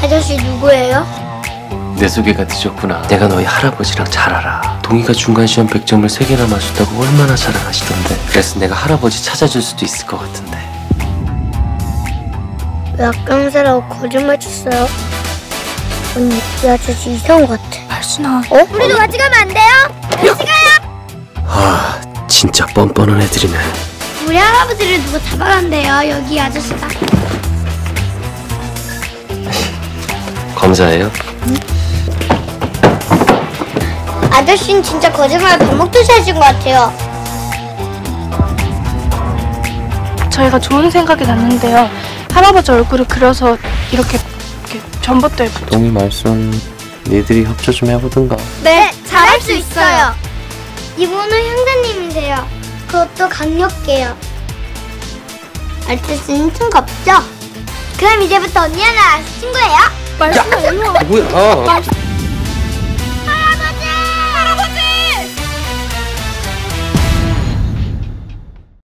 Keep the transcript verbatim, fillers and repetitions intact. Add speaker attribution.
Speaker 1: 아저씨 누구예요?
Speaker 2: 내 소개가 늦었구나. 내가 너희 할아버지랑 잘 알아. 동희가 중간시험 백 점을 세 개나 맞췄다고 얼마나 자랑하시던데. 그래서 내가 할아버지 찾아줄 수도 있을 것 같은데.
Speaker 1: 왜 학교사라고 거짓말 쳤어요? 언니, 이 아저씨 이상한 것 같아.
Speaker 3: 발순아.
Speaker 1: 어? 우리도 같이 가면 안 돼요? 같이 가요!
Speaker 2: 아, 진짜 뻔뻔한 애들이네.
Speaker 1: 우리 할아버지를 누가 잡아간대요, 여기 아저씨가.
Speaker 2: 검사예요?
Speaker 1: 응? 아저씨는 진짜 거짓말 밥 먹듯이 하신 것 같아요.
Speaker 3: 저희가 좋은 생각이 났는데요. 할아버지 얼굴을 그려서 이렇게, 이렇게 전봇대에 붙여.
Speaker 2: 동희 말씀 니들이 협조 좀 해보든가.
Speaker 1: 네, 잘할 수 있어요. 이분은 형사님이세요. 그것도 강력해요. 아저씨는 층겁죠? 그럼 이제부터 언니랑 나랑 친구예요?
Speaker 3: 말순아, 일로 와.
Speaker 2: 뭐야?